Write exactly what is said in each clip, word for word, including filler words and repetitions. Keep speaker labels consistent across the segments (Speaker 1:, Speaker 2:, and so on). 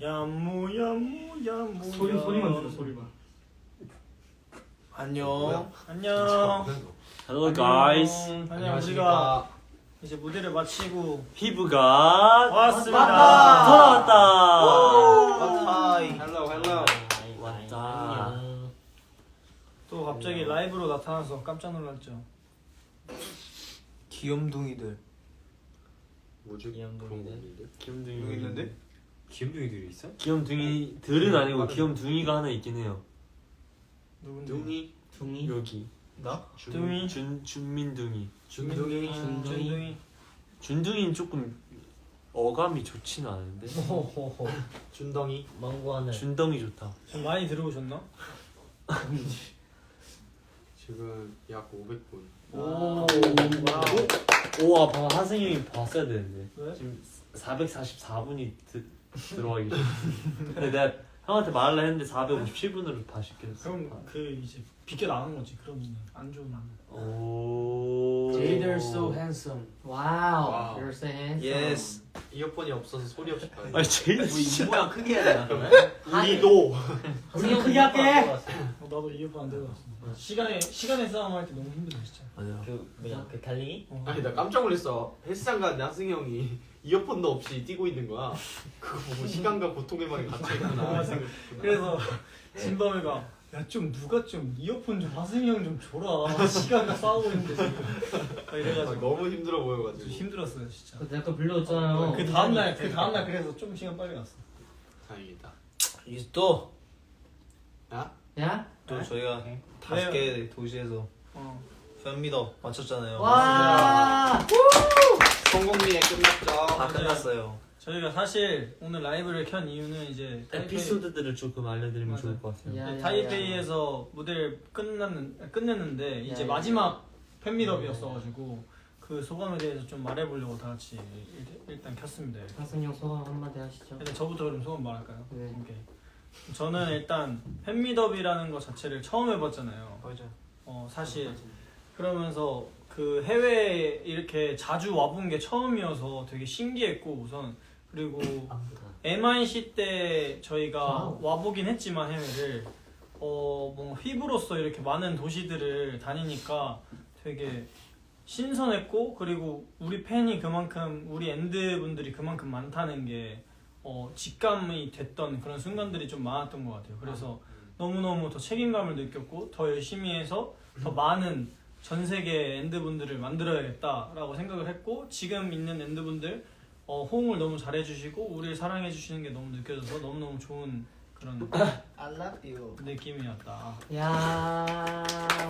Speaker 1: 야무 야무 야무
Speaker 2: 소리 소리만 들어 소리만.
Speaker 1: 안녕. 안녕.
Speaker 3: Hello guys.
Speaker 1: 안녕. 우리가 이제 무대를 마치고
Speaker 3: 피부가
Speaker 1: 왔습니다.
Speaker 3: 돌아왔다.
Speaker 1: 하이.
Speaker 4: 헬로 헬로.
Speaker 3: 왔다.
Speaker 1: 또 갑자기 라이브로 나타나서 깜짝 놀랐죠.
Speaker 4: 귀염둥이들.
Speaker 5: 뭐지?
Speaker 3: 귀염둥이들? 귀염둥이
Speaker 4: 여기 있는데?
Speaker 5: 귀염둥이들이 있어?
Speaker 3: 귀염둥이들은 아니고 귀염둥이가 하나 있긴 해요.
Speaker 1: 누군데?
Speaker 5: 둥이?
Speaker 3: 둥이? 여기.
Speaker 1: 나?
Speaker 3: 준,
Speaker 1: 둥이?
Speaker 3: 준, 준민둥이.
Speaker 5: 준둥이?
Speaker 1: 아, 준둥이.
Speaker 3: 준둥이는 조금 어감이 좋지는 않은데.
Speaker 1: 호호호.
Speaker 5: 준덩이?
Speaker 2: 망고하늘.
Speaker 3: 준덩이 좋다.
Speaker 1: 좀 많이 들어오셨나?
Speaker 5: 지금 약 오백 분.
Speaker 1: 오. 와우.
Speaker 3: 오와 방금 하승이 형이 봤어야 되는데.
Speaker 1: 왜?
Speaker 3: 지금 사백사십사 분이 드, 들어와 계셔. 근데 내가 형한테 말을 했는데 사백오십칠 분으로 다시 깼어.
Speaker 1: 그럼 그 이제 비껴 나가는 거지. 그러면 안 좋은.
Speaker 3: 오.
Speaker 2: They're so handsome. Wow.
Speaker 5: Wow.
Speaker 2: You're so handsome.
Speaker 4: 예스.
Speaker 5: 이어폰이 없어서 소리 없이 봐야 돼.
Speaker 3: 아니 제일
Speaker 4: 이 모양 크게 해야 되나 그러면?
Speaker 5: 우리도.
Speaker 2: 우리 크게 할게.
Speaker 1: 어, 나도 이어폰 안 들고 왔어. 시간에 시간에 싸움 할 때 너무 힘들어 진짜.
Speaker 4: 맞아.
Speaker 2: 그 뭐야? 그 달리기?
Speaker 1: 어.
Speaker 5: 아니 나 깜짝 놀랐어. 헬스장 갔는데 하승이 형이 이어폰도 없이 뛰고 있는 거야. 그거 보고 시간과 고통의 방에 갇혀 있구나.
Speaker 1: 맞아. 그래서 진범이가 야 좀 누가 좀 이어폰 좀 하승이 형 좀 줘라. 시간과 싸우고 있는데 지금. 막
Speaker 5: 아,
Speaker 1: 이래가지고
Speaker 5: 너무 힘들어
Speaker 1: 좀
Speaker 5: 보여가지고.
Speaker 1: 힘들었어요 진짜.
Speaker 2: 그 내가 불러줬잖아요.
Speaker 1: 그 다음 날 그 다음 날 그래서 좀 시간 빨리 갔어.
Speaker 5: 다행이다.
Speaker 4: 이제 또 또
Speaker 5: 야?
Speaker 2: 야?
Speaker 4: 저희가 다섯 개 도시에서
Speaker 1: 어.
Speaker 4: 팬미더 마쳤잖아요.
Speaker 2: 와.
Speaker 5: 성공리에 끝났죠.
Speaker 4: 다 끝났어요.
Speaker 1: 저희가 사실 오늘 라이브를 켠 이유는 이제
Speaker 3: 에피소드들을 조금 알려드리면
Speaker 1: 맞아.
Speaker 3: 좋을 것 같아요.
Speaker 2: 야, 야, 야.
Speaker 1: 타이페이에서 무대를 끝났는 끝냈는데 이제
Speaker 2: 야,
Speaker 1: 마지막 팬미더비였어가지고 그 소감에 대해서 좀 말해보려고 다 같이 일- 일단 켰습니다.
Speaker 2: 하승 형 소감 한마디 하시죠.
Speaker 1: 일단 저부터 그럼 소감 말할까요?
Speaker 2: 네.
Speaker 1: 오케이. 저는 일단 팬미더비라는 것 자체를 처음 해봤잖아요.
Speaker 4: 맞아.
Speaker 1: 어 사실 그러면서 그 해외에 이렇게 자주 와본 게 처음이어서 되게 신기했고 우선 그리고 엠아이씨 때 저희가 와보긴 했지만 해외를 어 뭔가 휘브로서 이렇게 많은 도시들을 다니니까 되게 신선했고 그리고 우리 팬이 그만큼 우리 엔드 분들이 그만큼 많다는 게 어, 직감이 됐던 그런 순간들이 좀 많았던 것 같아요. 그래서 너무너무 더 책임감을 느꼈고 더 열심히 해서 더 많은 전 세계 엔드분들을 만들어야겠다라고 생각을 했고 지금 있는 엔드분들 어, 호응을 너무 잘해주시고 우리를 사랑해주시는 게 너무 느껴져서 너무너무 좋은 그런
Speaker 4: I love you.
Speaker 1: 느낌이었다.
Speaker 2: 야.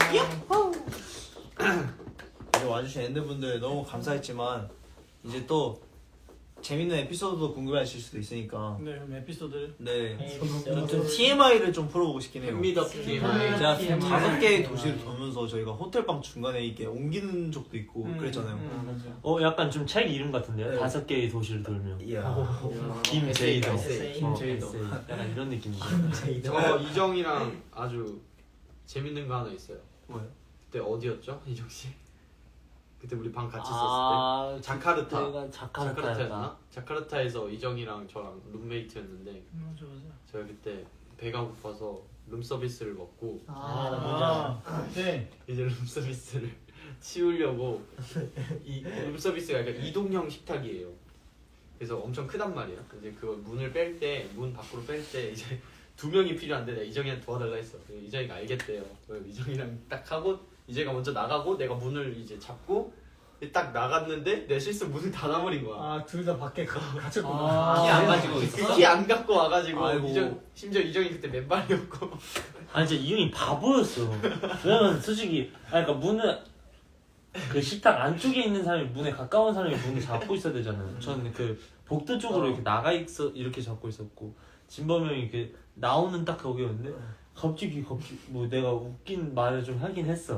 Speaker 4: 이제 와주신 엔드분들 너무 감사했지만 이제 또 재밌는 에피소드도 궁금해하실 수도 있으니까
Speaker 1: 네, 그럼 에피소드를
Speaker 4: 네, 좀, 좀 티엠아이를 좀 풀어보고 싶긴 해요.
Speaker 5: 팬미더 티엠아이.
Speaker 4: 제가
Speaker 2: 티엠아이.
Speaker 4: 다섯 개의 도시를 돌면서 저희가 호텔방 중간에 이렇게 옮기는 적도 있고
Speaker 1: 음,
Speaker 4: 그랬잖아요.
Speaker 1: 음.
Speaker 2: 맞아.
Speaker 3: 어 약간 좀 책 이름 같은데요?
Speaker 4: 네.
Speaker 3: 다섯 개의 도시를 돌며.
Speaker 4: 이야.
Speaker 3: 김 제이더.
Speaker 4: 에세이.
Speaker 3: 어,
Speaker 4: 제이더.
Speaker 3: 에세이. 약간 이런 느낌이죠.
Speaker 5: 저 이정이랑 아주 재밌는 거 하나 있어요.
Speaker 4: 뭐예요?
Speaker 5: 그때 어디였죠, 이정 씨? 그때 우리 방 같이 있었을
Speaker 3: 아,
Speaker 5: 때. 자카르타.
Speaker 3: 그때가 자카르타였나?
Speaker 5: 자카르타였나? 자카르타에서 이정이랑 저랑 룸메이트였는데
Speaker 1: 맞아 맞아.
Speaker 5: 저희 그때 배가 고파서 룸 서비스를 먹고
Speaker 2: 아,
Speaker 1: 아, 네.
Speaker 5: 이제 룸 서비스를 치우려고 이 룸 서비스가 약간 이동형 식탁이에요. 그래서 엄청 크단 말이야. 이제 그 문을 뺄 때 문 밖으로 뺄 때 이제 두 명이 필요한데 내가 이정이한테 도와달라 했어. 그래서 이정이가 알겠대요. 그래서 이정이랑 딱 하고 이정이가 먼저 나가고 내가 문을 이제 잡고 딱 나갔는데 내 실수 문을 닫아버린 거야.
Speaker 1: 아, 둘 다 밖에 가- 갇혔구나.
Speaker 2: 아,
Speaker 4: 키 안 가지고 있었어?
Speaker 5: 키 안 갖고 와가지고
Speaker 4: 아이고.
Speaker 5: 이정, 심지어 이정이 그때 맨발이었고
Speaker 3: 아니 진짜 이 형이 바보였어. 왜냐면 솔직히 아니 그러니까 문은 그 식탁 안쪽에 있는 사람이 문에 가까운 사람이 문을 잡고 있어야 되잖아요. 저는 그 복도 쪽으로 이렇게 나가 있어 이렇게 잡고 있었고 진범이 형이 그 나오는 딱 거기였는데 갑자기 갑자기 뭐 내가 웃긴 말을 좀 하긴 했어.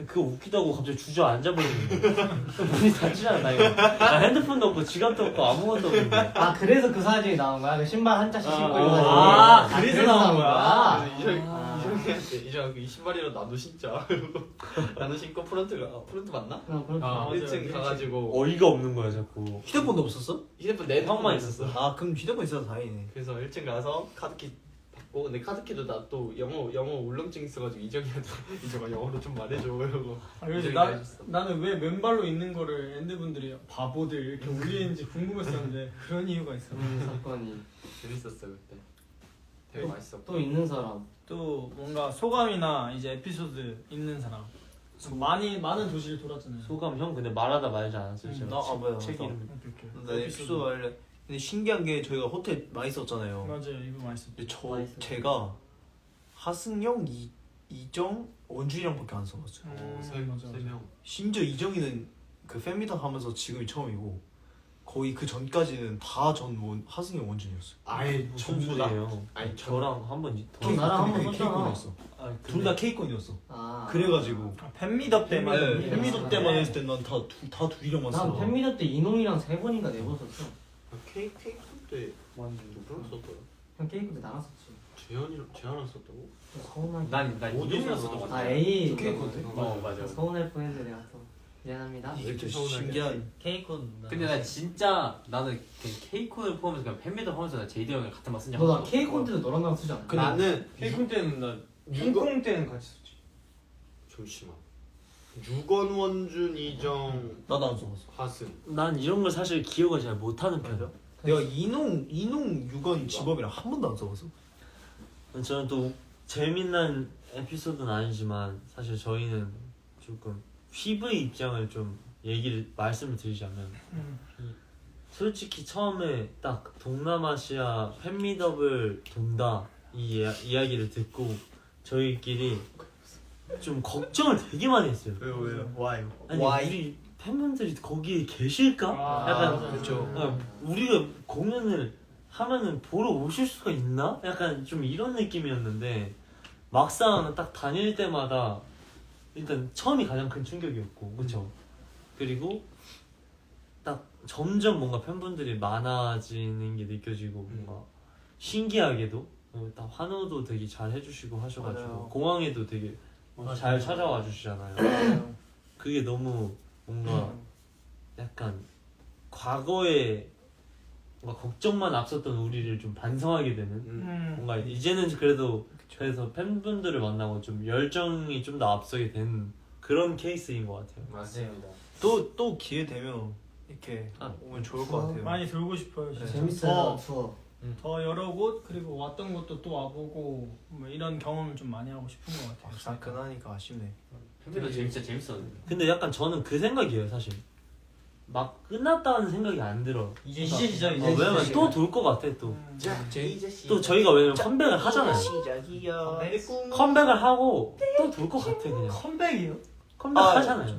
Speaker 3: 그거 웃기다고 갑자기 주저앉아 버리는 거야. 문이 닫히잖아 이거. 나 핸드폰도 없고 지갑도 없고 아무것도 없는데.
Speaker 2: 아 그래서 그 사진이 나온 거야? 그 신발 한 짝씩 신고 있는 사진.
Speaker 1: 아, 그래서 나온 거야?
Speaker 2: 아.
Speaker 5: 이정
Speaker 2: 아.
Speaker 5: 이정이한테 이정 이 신발이랑 나도 신자. 그리고 나도 신고 프런트가 아, 프런트 맞나?
Speaker 2: 그럼 그렇게.
Speaker 1: 아, 맞아요.
Speaker 5: 일 층 가가지고
Speaker 3: 어이가 없는 거야 자꾸.
Speaker 4: 휴대폰도 없었어?
Speaker 5: 휴대폰 내
Speaker 3: 형만
Speaker 5: 형만 있었어.
Speaker 4: 아 그럼 휴대폰 있어서 다행이네.
Speaker 5: 그래서 일 층 가서 카드키 받고 근데 카드키도 나 또 영어 영어 울렁증 있어가지고 이정이한테 이정아 영어로 좀 말해줘 이러고
Speaker 1: 아, 그래서
Speaker 5: 이정이가
Speaker 1: 나,
Speaker 5: 해줬어.
Speaker 1: 나는 왜 맨발로 있는 거를 엔드분들이 바보들 이렇게 올리는지 궁금했었는데 그런 이유가 있어.
Speaker 2: 음, 사건이.
Speaker 5: 재밌었어 그때. 되게 맛있었고.
Speaker 2: 또 있는 사람.
Speaker 1: 또 뭔가 소감이나 이제 에피소드 있는 사람. 많이 많은 도시를 돌았잖아요.
Speaker 3: 소감 형 근데 말하다 말지 않았어요 제가.
Speaker 4: 나 아 뭐야
Speaker 3: 책
Speaker 4: 맞아.
Speaker 3: 이름.
Speaker 1: 오케이, 오케이.
Speaker 4: 나 에피소드 할래. 근데 신기한 게 저희가 호텔 많이 썼잖아요.
Speaker 1: 맞아요, 이거 맛있어.
Speaker 4: 근데 저
Speaker 2: 맛있어.
Speaker 4: 제가 하승영, 이 이정, 원준이랑밖에 안 써봤어요.
Speaker 5: 어,
Speaker 1: 음,
Speaker 5: 세,
Speaker 1: 맞아,
Speaker 5: 세
Speaker 1: 맞아.
Speaker 5: 명.
Speaker 4: 심지어 이정이는 그 팬미팅 하면서 지금이 처음이고 거의 그 전까지는 다 전 원 하승영, 원준이었어요.
Speaker 5: 아예
Speaker 3: 무슨
Speaker 5: 전부 다.
Speaker 3: 소리예요?
Speaker 5: 아니
Speaker 3: 저랑 한번 더.
Speaker 2: 어, 나랑 한번 썼잖아.
Speaker 4: K콘이었어.
Speaker 3: 아,
Speaker 4: 둘 다 K콘이었어.
Speaker 2: 아.
Speaker 4: 그래가지고
Speaker 1: 아, 팬미더 때만.
Speaker 4: 네,
Speaker 2: 팬미팅.
Speaker 4: 팬미팅 때만 했을 때난다다 둘이랑만
Speaker 2: 난
Speaker 4: 써.
Speaker 2: 팬미터 때 이농이랑 세 번인가 네 번 썼어.
Speaker 5: 케이크 케이크 때
Speaker 3: 완전
Speaker 5: 누구랑 썼더라?
Speaker 2: 형 케이크 때 나랑 썼지.
Speaker 5: 재현이랑 재현이랑 썼다고?
Speaker 2: 서운하게.
Speaker 3: 난난
Speaker 5: 어디서 썼던
Speaker 2: 아 A.
Speaker 4: K콘 때?
Speaker 3: 어 맞아.
Speaker 2: 서운할 뻔했는데 내가 또 미안합니다.
Speaker 4: 이게 또
Speaker 5: 서운하게.
Speaker 4: 신기한.
Speaker 6: 케이콘.
Speaker 3: 근데 나 진짜 나는 케이콘을 포함해서 그냥 팬미터 포함해서 나 제이디 형이랑 같은 말 쓴 적.
Speaker 2: 너나 케이콘 때도 너랑 나랑 쓰지 않아?
Speaker 5: 그 나는
Speaker 1: 케이콘 때는 나
Speaker 5: 이거-
Speaker 1: 홍콩 때는 같이 썼지.
Speaker 5: 잠시만. 유건 원준 이정
Speaker 4: 나도 안 써봤어.
Speaker 5: 하승.
Speaker 3: 난 이런 걸 사실 기억을 잘 못하는 편이야.
Speaker 4: 내가 이농 이농 유건 지범이랑 한 번도 안 써봤어.
Speaker 3: 저는 또 재밌는 에피소드는 아니지만 사실 저희는 조금 휘브의 입장을 좀 얘기를 말씀을 드리자면
Speaker 1: 음.
Speaker 3: 솔직히 처음에 딱 동남아시아 팬미더블 돈다 이 이야, 이야기를 듣고 저희끼리 좀 걱정을 되게 많이 했어요.
Speaker 4: 왜요 왜요? 와요.
Speaker 3: 아니 우리 팬분들이 거기에 계실까?
Speaker 1: 아,
Speaker 3: 약간
Speaker 1: 맞아.
Speaker 4: 그렇죠.
Speaker 3: 아, 우리가 공연을 하면은 보러 오실 수가 있나? 약간 좀 이런 느낌이었는데 막상 딱 다닐 때마다 일단 처음이 가장 큰 충격이었고 그쵸? 그리고 딱 점점 뭔가 팬분들이 많아지는 게 느껴지고 뭔가 신기하게도 어, 딱 환호도 되게 잘 해주시고 하셔가지고
Speaker 4: 맞아요.
Speaker 3: 공항에도 되게 잘 찾아와 주시잖아요. 그게 너무 뭔가 약간 과거에 뭔가 걱정만 앞섰던 우리를 좀 반성하게 되는
Speaker 1: 음.
Speaker 3: 뭔가 이제는 그래도 그래서 팬분들을 만나고 좀 열정이 좀 더 앞서게 된 그런 케이스인 것 같아요.
Speaker 5: 맞습니다.
Speaker 4: 또 또 기회 되면 이렇게
Speaker 3: 아,
Speaker 4: 오면 좋을 것 같아요.
Speaker 1: 많이 돌고 싶어요. 진짜.
Speaker 2: 재밌어요
Speaker 1: 더,
Speaker 2: 투어.
Speaker 1: 더 여러 곳 그리고 왔던 곳도 또 와보고 뭐 이런 경험을 좀 많이 하고 싶은 것 같아요.
Speaker 4: 사끈하니까 아쉽네.
Speaker 6: 팬미터 진짜 재밌었는데.
Speaker 3: 근데 약간 저는 그 생각이에요 사실. 막 끝났다는 생각이 안 들어.
Speaker 1: 이제 이제 시작
Speaker 3: 어,
Speaker 1: 이제
Speaker 3: 왜냐면
Speaker 1: 시작.
Speaker 3: 또 돌 것 같아 또.
Speaker 1: 음.
Speaker 3: 또 저희가 왜냐면 컴백을 하잖아요.
Speaker 4: 시작이야.
Speaker 3: 컴백을 하고 또 돌 것 같아 그냥.
Speaker 1: 컴백이요?
Speaker 3: 컴백 하잖아요.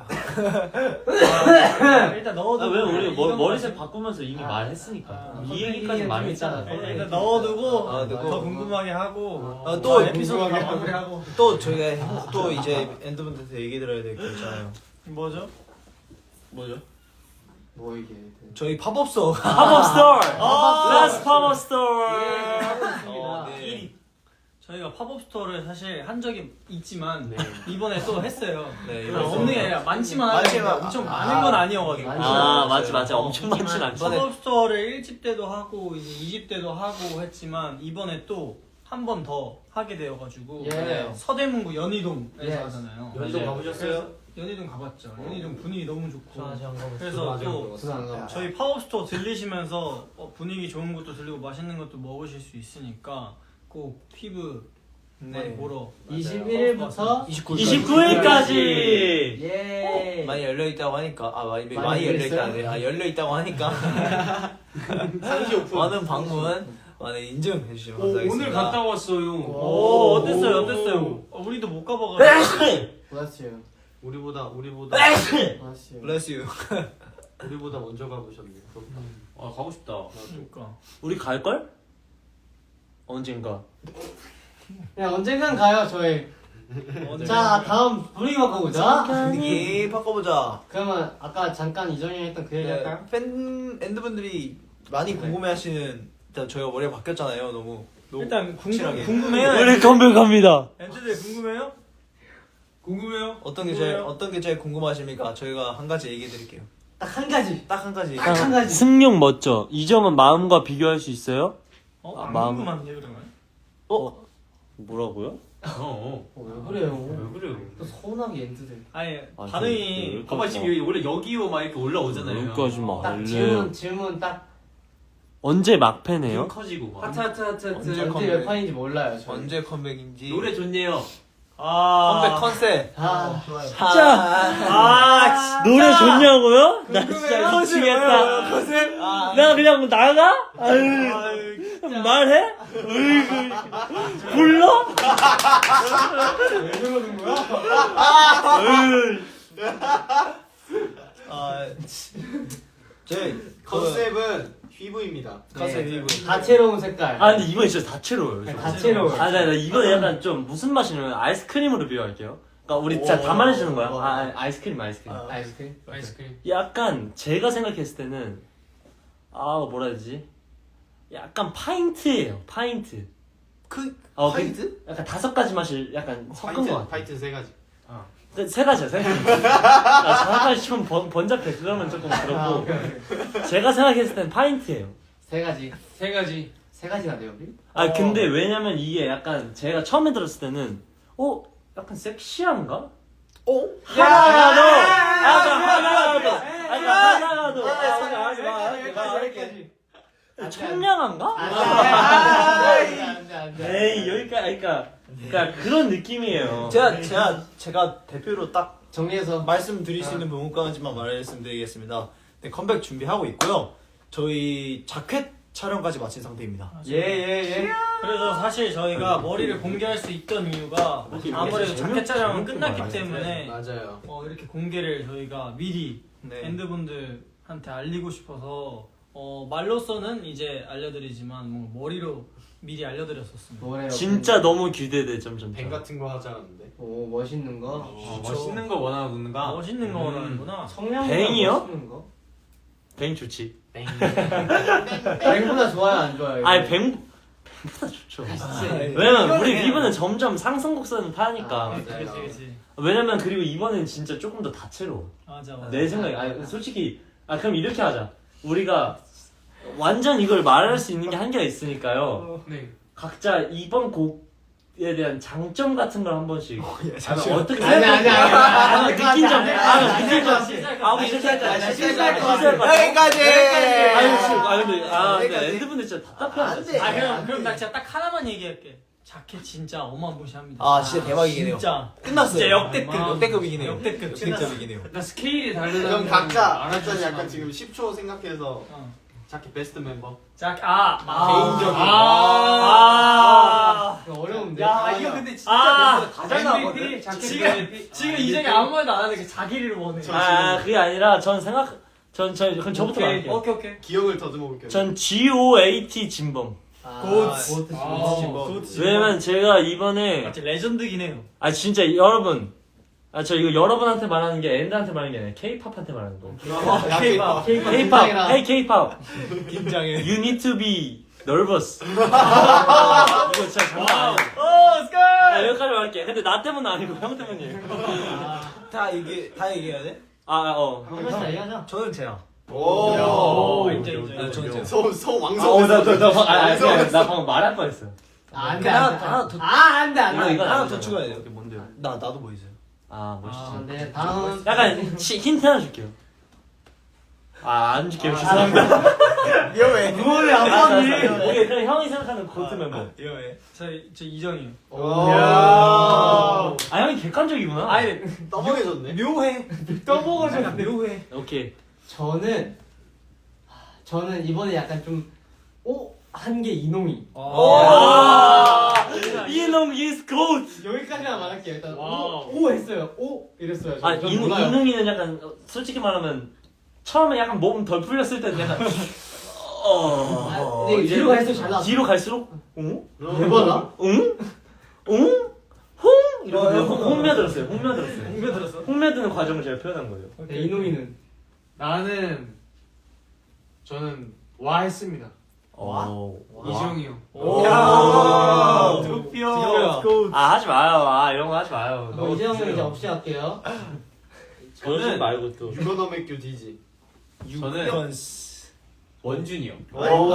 Speaker 1: 아, 일단 넣어두고.
Speaker 3: 아, 왜 우리 머,
Speaker 1: 이건
Speaker 3: 머리색 바꾸면서 이미
Speaker 1: 아,
Speaker 3: 말했으니까
Speaker 1: 아,
Speaker 3: 이
Speaker 2: 컴백
Speaker 3: 얘기까지
Speaker 2: 얘기가
Speaker 3: 말했잖아.
Speaker 2: 좀 있잖아.
Speaker 1: 일단 궁금하고
Speaker 4: 아,
Speaker 1: 더
Speaker 4: 넣고.
Speaker 1: 궁금하게 하고
Speaker 4: 아,
Speaker 1: 또
Speaker 4: 또
Speaker 1: 에피소드 다 마무리하고.
Speaker 4: 또 저희가 또 이제 엔드분들한테 얘기 들어야 될 게 있잖아요.
Speaker 1: 뭐죠?
Speaker 4: 뭐죠?
Speaker 2: 뭐 이게?
Speaker 4: 저희 팝업소.
Speaker 3: 팝업 스토어.
Speaker 1: 아,
Speaker 3: Let's 팝업 스토어.
Speaker 4: 어, 네.
Speaker 1: 저희가 팝업 스토어를 사실 한 적이 있지만
Speaker 5: 네.
Speaker 1: 이번에 또 했어요.
Speaker 4: 네,
Speaker 1: 아, 없는 게 아니라 많지만 하는데
Speaker 4: 많지만-
Speaker 1: 엄청
Speaker 4: 아,
Speaker 1: 많은 건 아니어가지고.
Speaker 2: 많지.
Speaker 3: 아 맞지 맞지 엄청 많진 않지.
Speaker 4: 이번에-
Speaker 1: 팝업 스토어를 일 집 때도 하고 이제 이 집 때도 하고 했지만 이번에 또 한 번 더 하게 되어가지고
Speaker 2: 예.
Speaker 1: 서대문구 연희동에서
Speaker 2: 예.
Speaker 1: 하잖아요.
Speaker 5: 연희동
Speaker 3: 맞아요.
Speaker 5: 가보셨어요?
Speaker 1: 연희동 가봤죠. 연희동 분위기 너무 좋고.
Speaker 6: 아직 안 가봤어.
Speaker 1: 그래서 또
Speaker 2: 저도 안 가봤어.
Speaker 1: 저희 팝업 스토어 들리시면서 어, 분위기 좋은 것도 들리고 맛있는 것도 먹으실 수 있으니까 꼭 피부 많이
Speaker 4: 네.
Speaker 1: 보러
Speaker 2: 이십일 일부터
Speaker 4: 이십구 일
Speaker 3: 이십구 일까지.
Speaker 2: 예.
Speaker 4: 많이 열려 있다고 하니까 아 많이 많이,
Speaker 2: 많이
Speaker 4: 열려
Speaker 2: 열렸어요?
Speaker 4: 있다. 아 열려 있다고 하니까
Speaker 5: 상시 오픈.
Speaker 4: 많은 방문 많은 인증해 주시면 감사하겠습니다.
Speaker 6: 왔어요.
Speaker 1: 오, 어땠어요? 어땠어요? 어, 우리도 못 가봐가지고.
Speaker 2: 고맙어요.
Speaker 5: 우리보다 우리보다
Speaker 2: 고맙어요.
Speaker 4: Bless you.
Speaker 5: 우리보다 먼저 가보셨네요. 그럼
Speaker 6: 아 가고 싶다.
Speaker 1: 그러니까.
Speaker 3: 우리 갈 걸? 언젠가.
Speaker 2: 야 언젠간 가요 저희.
Speaker 1: 오늘
Speaker 2: 자 다음 분위기 바꿔보자.
Speaker 4: 분위기 바꿔보자.
Speaker 2: 그러면 아까 잠깐 이정이 했던 그 얘기 할까요?
Speaker 4: 네, 팬 엔드분들이 많이 궁금해하시는 일단 저희가 머리가 바뀌었잖아요. 너무 너무
Speaker 1: 일단 궁금,
Speaker 4: 확실하게.
Speaker 1: 궁금해요.
Speaker 3: 우리 컴백합니다.
Speaker 1: 엔드들 궁금해요? 궁금해요?
Speaker 4: 어떤 게 제일
Speaker 1: 궁금해요?
Speaker 4: 어떤 게 제일 궁금하십니까? 저희가 한 가지 얘기해 드릴게요.
Speaker 2: 딱 한 가지.
Speaker 4: 딱 한 가지.
Speaker 2: 딱 한 가지.
Speaker 3: 승용 멋져. 이 점은 마음과 비교할 수 있어요?
Speaker 1: 어?
Speaker 3: 아,
Speaker 1: 안
Speaker 3: 마음.
Speaker 1: 궁금한데 그러면?
Speaker 3: 어? 뭐라고요?
Speaker 6: 어.
Speaker 2: 어, 왜 그래요?
Speaker 6: 왜 그래요?
Speaker 2: 또 서운하게 엔트들.
Speaker 1: 아니
Speaker 3: 아,
Speaker 1: 반응이
Speaker 6: 봐봐 지금 여기 원래 여기요 막 이렇게 올라오잖아요.
Speaker 3: 여기까지 막
Speaker 2: 딱
Speaker 3: 원래
Speaker 2: 질문 질문 딱
Speaker 3: 언제 막패네요?
Speaker 6: 눈 커지고 막.
Speaker 5: 하트 하트 하트 하트.
Speaker 4: 언제
Speaker 2: 엔트
Speaker 4: 컴백?
Speaker 2: 몇 판인지 몰라요. 저희.
Speaker 4: 언제 컴백인지.
Speaker 6: 노래 좋네요.
Speaker 1: 아
Speaker 4: 컴백 컨셉.
Speaker 2: 아
Speaker 4: 좋아요.
Speaker 1: 아
Speaker 3: 노래 좋냐고요? 나 진짜
Speaker 1: 궁금해요?
Speaker 3: 미치겠다.
Speaker 4: 컨셉. 아,
Speaker 3: 나 그냥 나가? 아유,
Speaker 1: 아유,
Speaker 3: 말해? 으이구, 불러?
Speaker 2: 왜 그러는 거야?
Speaker 3: 으이.
Speaker 4: 아, 저희
Speaker 5: 컨셉은 휘브입니다.
Speaker 4: 컨셉
Speaker 2: 네.
Speaker 4: 이브.
Speaker 2: 다채로운 색깔.
Speaker 3: 아 근데 이건 진짜 다채로워요. 좀.
Speaker 2: 다채로워요.
Speaker 3: 아, 나, 나 이거 약간 좀 무슨 맛이냐면 아이스크림으로 비유할게요. 그러니까 우리 진짜
Speaker 4: 오.
Speaker 3: 다 말해주는 거야.
Speaker 4: 오.
Speaker 3: 아, 아, 아이스크림, 아이스크림.
Speaker 4: 아.
Speaker 2: 아이스크림.
Speaker 6: 아이스크림.
Speaker 3: 약간 제가 생각했을 때는 아 뭐라 해야 되지? 약간 파인트예요. 파인트.
Speaker 4: 그
Speaker 3: 어,
Speaker 4: 파인트?
Speaker 3: 약간 다섯 가지 맛을 약간 섞은 것
Speaker 5: 파이트
Speaker 3: 같아.
Speaker 5: 파이트 세 가지.
Speaker 3: 그 세 가지야, 세 가지. 아, 정확하게 좀 번, 번잡해. 그러면 조금
Speaker 2: 아,
Speaker 3: 그렇고.
Speaker 2: 오케이, 오케이.
Speaker 3: 제가 생각했을 땐 파인트예요.
Speaker 2: 세 가지.
Speaker 6: 세 가지.
Speaker 2: 세 가지나 돼요 우리?
Speaker 3: 아,
Speaker 4: 어.
Speaker 3: 근데 왜냐면 이게 약간 제가 처음에 들었을 때는 어? 약간 섹시한가?
Speaker 4: 어?
Speaker 3: 하나가 더! 하나가 더! 하나가 더!
Speaker 2: 안 돼,
Speaker 3: 청량한가?
Speaker 2: 안 돼, 안 돼, 안 돼, 안 돼.
Speaker 3: 에이, 여기까지, 그러니까, 그러니까 그런 느낌이에요.
Speaker 4: 제가 제가 제가 대표로 딱
Speaker 2: 정리해서
Speaker 4: 말씀드릴 수 있는 부분까지만 말씀드리겠습니다. 네, 컴백 준비하고 있고요. 저희 자켓 촬영까지 마친 상태입니다.
Speaker 2: 예예 예.
Speaker 1: 그래서 사실 저희가 머리를 공개할 수 있던 이유가 아무래도 자켓 촬영은 끝났기 때문에
Speaker 5: 맞아요.
Speaker 1: 어, 이렇게 공개를 저희가 미리
Speaker 4: 네.
Speaker 1: 밴드분들한테 알리고 싶어서 어, 말로서는 이제 알려드리지만 뭔가 머리로 미리 알려드렸었습니다.
Speaker 2: 뭐래요?
Speaker 3: 진짜 너무 기대돼, 점점.
Speaker 5: 뱅 같은 거 하자는데.
Speaker 2: 오 멋있는 거.
Speaker 6: 어, 멋있는 거 원하는가?
Speaker 1: 멋있는 거 원하는구나.
Speaker 2: 성량
Speaker 3: 뱅이요?
Speaker 2: 멋있는 거.
Speaker 3: 뱅 좋지.
Speaker 5: 뱅.
Speaker 2: 뱅보다 좋아요 안 좋아요?
Speaker 3: 아니, 뱅, 뱅보다 좋죠. 왜냐면 우리 비브는 점점 상승 곡선을 타니까.
Speaker 2: 아,
Speaker 1: 그치 그치 그치.
Speaker 3: 왜냐면 그리고 이번엔 진짜 조금 더 다채로워.
Speaker 1: 맞아 맞아.
Speaker 3: 내 생각에. 아니, 솔직히. 아, 그럼 이렇게 하자. 우리가 완전 이걸 말할 수 있는 게 한계가 있으니까요.
Speaker 6: 네.
Speaker 3: 각자 이번 곡에 대한 장점 같은 걸 한 번씩. 아, 어떻게
Speaker 2: 아니 아니 아니.
Speaker 3: 아,
Speaker 2: 아니,
Speaker 3: 느낀 점.
Speaker 2: 아니,
Speaker 3: 아,
Speaker 2: 아니,
Speaker 3: 느낀 점.
Speaker 2: 아니, 아니,
Speaker 3: 아, 우리 이렇게 하자.
Speaker 2: 아니,
Speaker 3: 실수할 거
Speaker 2: 실수할 것 같아.
Speaker 4: 여기까지.
Speaker 3: 아유, 씨, 아, 근데, 아, 근데
Speaker 4: 여기까지.
Speaker 3: 엔드분들 진짜 답답해하죠.
Speaker 4: 안 돼.
Speaker 1: 아 그럼
Speaker 2: 안
Speaker 1: 그럼
Speaker 2: 돼.
Speaker 1: 나 진짜 딱 하나만 얘기할게. 자켓 진짜 어마무시합니다.
Speaker 4: 아 진짜 대박이긴 해요.
Speaker 1: 진짜
Speaker 4: 끝났어요.
Speaker 1: 진짜 역대급.
Speaker 4: 아, 역대급이긴 해요.
Speaker 1: 역대급.
Speaker 4: 역대급이긴 해요.
Speaker 6: 그러니까 스케일이 다르다는
Speaker 5: 그럼
Speaker 6: 걸
Speaker 5: 각자
Speaker 6: 알아주시면
Speaker 5: 각자 약간
Speaker 6: 안
Speaker 5: 지금 십 초 생각해서
Speaker 1: 어.
Speaker 5: 자켓 베스트 멤버.
Speaker 1: 자, 아, 아
Speaker 5: 개인적인.
Speaker 1: 아,
Speaker 2: 이거 어려운데.
Speaker 1: 야,
Speaker 2: 이거
Speaker 1: 근데
Speaker 5: 아,
Speaker 1: 잘 나왔거든. 지금 지금 이정이 아무 말도 안 하는데 자기를 원해.
Speaker 3: 아, 그게 아니라 전 생각, 전, 저, 그럼 저부터
Speaker 1: 오케이,
Speaker 3: 말할게요.
Speaker 1: 오케이, 오케이.
Speaker 5: 기억을 더듬어 볼게요.
Speaker 3: 전 지 오 에이 티 진범.
Speaker 2: 아,
Speaker 1: 고트.
Speaker 2: 고트.
Speaker 1: 아,
Speaker 2: 고트.
Speaker 1: 고트.
Speaker 3: 왜냐면 제가 이번에,
Speaker 1: 맞지, 레전드긴 해요.
Speaker 3: 아, 진짜 여러분, 아, 저 이거 여러분한테 말하는 게 엔드한테 말하는 게 아니라 케이팝한테 말하는 거.
Speaker 1: K-pop.
Speaker 3: 케이팝, hey 케이팝,
Speaker 4: 긴장해.
Speaker 3: you need to be nervous. 이거 진짜 장난 아니에요.
Speaker 1: 오, 스컬!
Speaker 3: 아, 여기까지 말할게. 근데 나 때문은 아니고 형 때문이에요.
Speaker 4: 다 얘기 다 얘기해야 돼?
Speaker 3: 아, 아, 어.
Speaker 2: 한 번씩 얘기하자.
Speaker 4: 저는 제야.
Speaker 5: 오.
Speaker 1: 오, 인정, 인정.
Speaker 4: 네, 저는 제야.
Speaker 5: 소, 소
Speaker 3: 아,
Speaker 5: 왕성.
Speaker 3: 어, 나, 나, 나, 방- 아, 아, 그냥 나 방금 말할 뻔했어.
Speaker 2: 아, 안 돼,
Speaker 4: 하나,
Speaker 2: 안 돼.
Speaker 4: 하나 더-
Speaker 2: 아, 안 돼, 안
Speaker 3: 이거,
Speaker 2: 돼.
Speaker 3: 이거
Speaker 4: 하나
Speaker 3: 아니잖아.
Speaker 4: 더 추가해야 돼요.
Speaker 3: 이게 뭔데요?
Speaker 4: 나 나도 뭐 있어요?
Speaker 3: 아, 멋있지.
Speaker 2: 아, 네, 다음.
Speaker 3: 약간 치, 힌트 하나 줄게요. 아, 안 줄게요. 죄송합니다.
Speaker 4: 위험해.
Speaker 2: 뭐래,
Speaker 3: 아,
Speaker 2: 안
Speaker 3: 오케이,
Speaker 2: 봤니?
Speaker 3: 그럼 형이 생각하는 고트 멤버.
Speaker 4: 위험해.
Speaker 1: 저, 저 이정이요.
Speaker 5: 오.
Speaker 3: 아, 형이 객관적이구나.
Speaker 1: 아니,
Speaker 5: 떠먹여졌네.
Speaker 1: 묘해. 떠먹어서 약간 묘해.
Speaker 3: 오케이.
Speaker 2: 저는, 저는 이번에 약간 좀, 오, 한 게 이놈이.
Speaker 3: 아, 이놈 is goat.
Speaker 2: 여기까지만 말할게요. 일단,
Speaker 1: 와우.
Speaker 2: 오, 오 했어요. 오, 이랬어요. 저.
Speaker 3: 아,
Speaker 2: 전
Speaker 3: 이,
Speaker 2: 몰라요.
Speaker 3: 이놈이는 약간 어, 솔직히 말하면 처음에 약간 몸 덜 풀렸을 때는 약간 어.
Speaker 2: 아, 근데 뒤로 갈수록 잘 나왔어.
Speaker 3: 뒤로 갈수록 응?
Speaker 2: 대박아?
Speaker 3: 응? 응? 홍?
Speaker 1: 이러고
Speaker 3: 어, 홍며들었어요. 홍며들었어요.
Speaker 1: 홍며 들었어?
Speaker 3: 홍며드는 과정을 제가 표현한 거예요.
Speaker 2: 네, 이놈이는
Speaker 5: 나는 저는 와 했습니다.
Speaker 3: 어.
Speaker 5: 이정이 형.
Speaker 1: 오.
Speaker 4: 득표.
Speaker 3: 아 하지 마요. 아 이런 거 하지 마요.
Speaker 2: 어, 이제 형은 이제 없이 할게요.
Speaker 3: 저는 말고 또.
Speaker 5: 유건어 맥주 디지.
Speaker 6: 저는 원준이 형.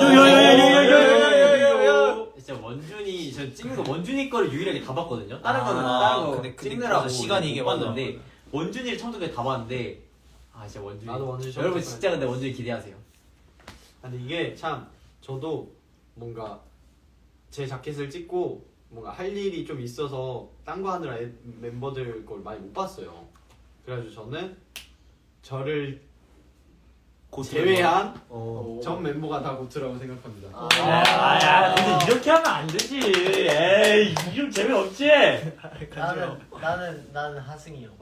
Speaker 1: 요요요요요요요요요.
Speaker 6: 진짜 원준이 저 찍는 거 원준이 거를 유일하게 다 봤거든요. 다른 거는
Speaker 4: 아,
Speaker 6: 다른 거
Speaker 4: 근데- 근데
Speaker 6: 찍느라고
Speaker 4: 그래서 시간이 이게
Speaker 6: 못
Speaker 4: 맞아.
Speaker 6: 봤는데 원준이를 처음부터 끝까지 다 봤는데 아 진짜 원준이.
Speaker 5: 나도 원준이 처음부터
Speaker 6: 여러분
Speaker 5: 끝까지.
Speaker 6: 진짜 근데 원준이 기대하세요.
Speaker 5: 근데 이게 참 저도 뭔가 제 자켓을 찍고 뭔가 할 일이 좀 있어서 딴 거 하느라 애- 멤버들 걸 많이 못 봤어요. 그래가지고 저는 저를 제외한
Speaker 3: 어.
Speaker 5: 전 멤버가 다 고트라고 생각합니다.
Speaker 3: 아야 근데 이렇게 하면 안 되지. 에이 이름 재미없지.
Speaker 2: 나는 나는 나는 하승이 형.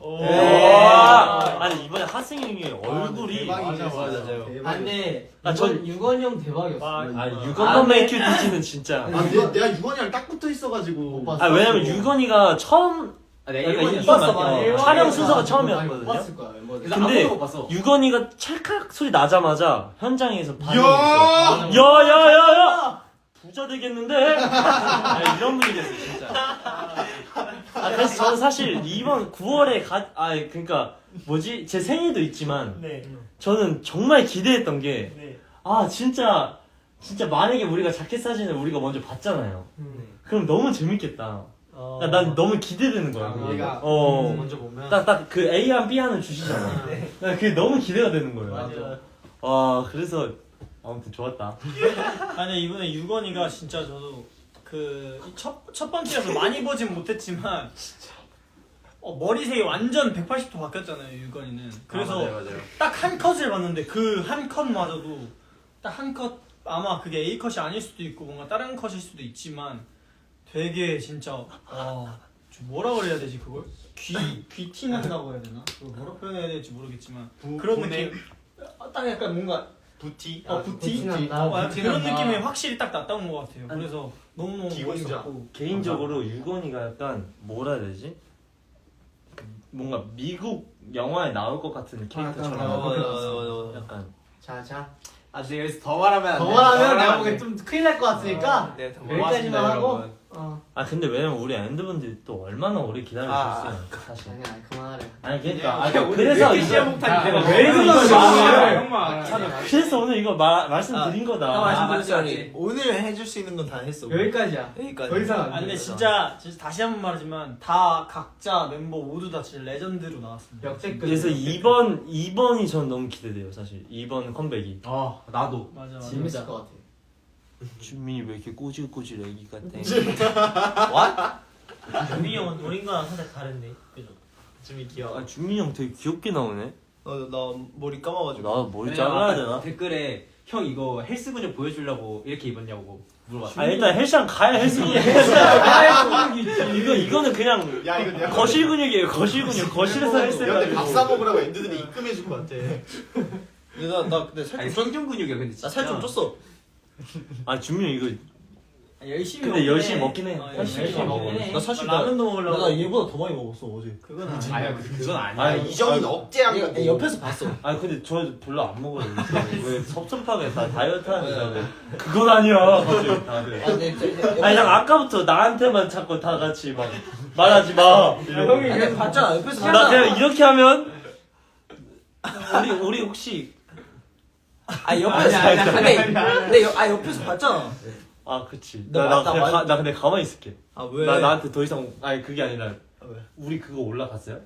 Speaker 3: 와. 아니 이번에 하승이 형이 얼굴이.
Speaker 5: 대박이지.
Speaker 4: 맞아, 맞아요.
Speaker 2: 아 근데
Speaker 3: 아,
Speaker 2: 아,
Speaker 3: 전-
Speaker 2: 전 유건이 형 대박이었어.
Speaker 3: 아 유건너 메이큐 디지는 진짜.
Speaker 5: 아, 내가, 내가 유건이랑 딱 붙어 있어가지고
Speaker 2: 못 봤어.
Speaker 3: 아 왜냐면 유건이가 처음
Speaker 6: 아, 내가
Speaker 3: 그러니까
Speaker 6: 일본이었어.
Speaker 3: 이-
Speaker 2: 봤어,
Speaker 3: 어,
Speaker 2: 일본이었어.
Speaker 3: 촬영 순서가
Speaker 2: 아니,
Speaker 3: 처음이었거든요.
Speaker 2: 못 봤을 거야 멤버들.
Speaker 6: 그래서
Speaker 3: 근데
Speaker 6: 아무도 못 봤어.
Speaker 3: 유건이가 찰칵 소리 나자마자 현장에서 반응이
Speaker 5: 야!
Speaker 3: 있어. 야야야야! 부자 되겠는데? 아, 이런 분위기였어 진짜. 아 그래서 저는 사실 이번 구월에 가, 아 그러니까 뭐지 제 생일도 있지만
Speaker 1: 네.
Speaker 3: 저는 정말 기대했던 게
Speaker 1: 네.
Speaker 3: 아 진짜 진짜 만약에 우리가 자켓 사진을 우리가 먼저 봤잖아요.
Speaker 2: 음.
Speaker 3: 그럼 너무 재밌겠다.
Speaker 1: 어.
Speaker 3: 난, 난 너무 기대되는 거야.
Speaker 5: 아,
Speaker 3: 그게.
Speaker 5: 얘가
Speaker 3: 어.
Speaker 5: 먼저 보면
Speaker 3: 딱 딱 그 A안 B안을 주시잖아. 난 그게 너무 기대가 되는 거예요.
Speaker 1: 맞아.
Speaker 3: 와 그래서 아무튼 좋았다.
Speaker 1: 아니 이번에 유건이가 진짜 저도 그첫 첫 번째여서 많이 보진 못했지만 어, 머리색이 완전 백팔십 도 바뀌었잖아요 유건이는. 그래서
Speaker 6: 아, 맞아요, 맞아요.
Speaker 1: 딱 한 컷을 봤는데 그 한 컷마저도 딱 한 컷 아마 그게 A 컷이 아닐 수도 있고 뭔가 다른 컷일 수도 있지만 되게 진짜 와 좀 뭐라 그래야 되지 그걸 귀귀 티난다고 해야 되나? 그걸 뭐라 표현해야 될지 모르겠지만
Speaker 5: 부-
Speaker 1: 그런
Speaker 5: 분해?
Speaker 1: 느낌. 아, 딱 약간 뭔가
Speaker 5: 부티
Speaker 1: 어 부티
Speaker 2: 부티 난다,
Speaker 1: 어, 약간
Speaker 2: 부티
Speaker 1: 그런
Speaker 2: 난다.
Speaker 1: 느낌이 확실히 딱 났다는 것 같아요. 그래서 너무 너무
Speaker 5: 기공자.
Speaker 1: 멋있었고
Speaker 3: 개인적으로 유건이가 약간 뭐라 해야 되지? 뭔가 미국 영화에 나올 것 같은 캐릭터처럼.
Speaker 2: 아,
Speaker 4: 맞아, 맞아, 맞아, 맞아.
Speaker 3: 약간
Speaker 2: 자 자.
Speaker 6: 아 근데 여기서 더 말하면 안
Speaker 2: 더
Speaker 6: 돼.
Speaker 2: 말하면 내가
Speaker 6: 안
Speaker 2: 보기엔
Speaker 6: 돼.
Speaker 2: 좀 큰일 날 것 같으니까
Speaker 4: 네, 더
Speaker 2: 여기까지만
Speaker 4: 고맙습니다,
Speaker 2: 하고.
Speaker 4: 여러분.
Speaker 2: 어.
Speaker 3: 아 근데 왜냐면 우리 엔드분들이 또 얼마나 오래 기다려주셨어요 사실.
Speaker 2: 아니야 그만하래.
Speaker 3: 아니 그러니까 아,
Speaker 5: 그냥 오늘
Speaker 3: 그래서
Speaker 5: 왜 이렇게
Speaker 3: 이거
Speaker 5: 시야봉탄이 내가
Speaker 3: 왜
Speaker 5: 왜
Speaker 3: 이거
Speaker 5: 이러는
Speaker 3: 말을
Speaker 5: 거야?
Speaker 3: 그래서 오늘 이거 마, 말씀드린 거다.
Speaker 1: 아,
Speaker 6: 아,
Speaker 4: 맞지,
Speaker 6: 맞지,
Speaker 4: 맞지.
Speaker 6: 맞지.
Speaker 4: 오늘 해줄 수 있는 건 다 했어.
Speaker 2: 여기까지야.
Speaker 4: 여기까지.
Speaker 2: 더 이상 안
Speaker 1: 아 근데
Speaker 2: 돼.
Speaker 1: 진짜, 진짜 다시 한 번 말하지만 다 각자 멤버 모두 다 진짜 레전드로 나왔습니다.
Speaker 2: 역대급.
Speaker 3: 그래서 이번 이번이 전 너무 기대돼요 사실. 이번 컴백이.
Speaker 6: 아 나도.
Speaker 1: 맞아 맞아.
Speaker 2: 재밌을 것 같아.
Speaker 3: 준민이 왜 이렇게 꼬질꼬질 애기 같아?
Speaker 1: 준민이 형은 노린 거랑 살짝 다른데 그죠?
Speaker 5: 좀 귀여워.
Speaker 3: 아 준민이 형 되게 귀엽게 나오네.
Speaker 4: 어, 나 머리 감아가지고.
Speaker 3: 나 머리
Speaker 6: 왜냐면
Speaker 3: 잘라야
Speaker 6: 아까
Speaker 3: 되나?
Speaker 6: 댓글에 형 이거 헬스 근육 보여주려고 이렇게 입었냐고 물어봤어.
Speaker 3: 아 일단 헬스장 가야 헬스 근육. 이거 이거는 그냥
Speaker 5: 야 이거 내가
Speaker 3: 거실 근육이에요. 거실 근육. 거실에서 헬스
Speaker 5: 근데 밥
Speaker 3: 해가지고.
Speaker 5: 사 먹으라고 엔드들이 입금해줄 것 같아.
Speaker 4: 근데 나, 나 근데 살
Speaker 6: 아니
Speaker 4: 좀 쪘.
Speaker 6: 생존 근육이야 근데 진짜.
Speaker 4: 나 살 좀 쪘어.
Speaker 3: 아 준민이 이거
Speaker 1: 열심히
Speaker 3: 근데
Speaker 1: 먹긴
Speaker 3: 열심히
Speaker 1: 해.
Speaker 3: 먹긴 해.
Speaker 1: 어,
Speaker 3: 열심히
Speaker 1: 열심히
Speaker 3: 먹긴
Speaker 1: 먹긴
Speaker 3: 해.
Speaker 1: 해.
Speaker 4: 나 사실
Speaker 1: 나 라면도 먹으려고.
Speaker 4: 나 얘보다 더 많이 먹었어 어제.
Speaker 1: 그건 아니야.
Speaker 6: 아야 그건 아니야.
Speaker 3: 아,
Speaker 5: 이정인 억제한
Speaker 4: 얘가-
Speaker 5: 거고.
Speaker 4: 얘 옆에서 봤어.
Speaker 3: 아 근데 저 별로 안 먹어요. 왜 섭섭하게 다 다이어트 하는데 그건 아니야. 갑자기 다들.
Speaker 4: 아, 근데 진짜-
Speaker 3: 아니 난 아까부터 나한테만 자꾸 다 같이 막 말하지 마. 이러고.
Speaker 2: 형이
Speaker 4: 아니, 봤잖아 옆에서
Speaker 3: 나
Speaker 4: 봤잖아.
Speaker 3: 그냥 이렇게 하면 우리 우리 혹시
Speaker 4: 아 옆에서
Speaker 3: 아니, 아니,
Speaker 4: 근데 근데 옆- 아 옆에서 봤잖아.
Speaker 3: 아 그치.
Speaker 4: 나
Speaker 3: 나, 나,
Speaker 4: 나
Speaker 3: 그냥
Speaker 4: 완-
Speaker 3: 가, 나 근데 가만히 있을게.
Speaker 4: 아 왜?
Speaker 3: 나 나한테 더 이상 아니 그게 아니라
Speaker 4: 아, 왜?
Speaker 3: 우리 그거 올라갔어요?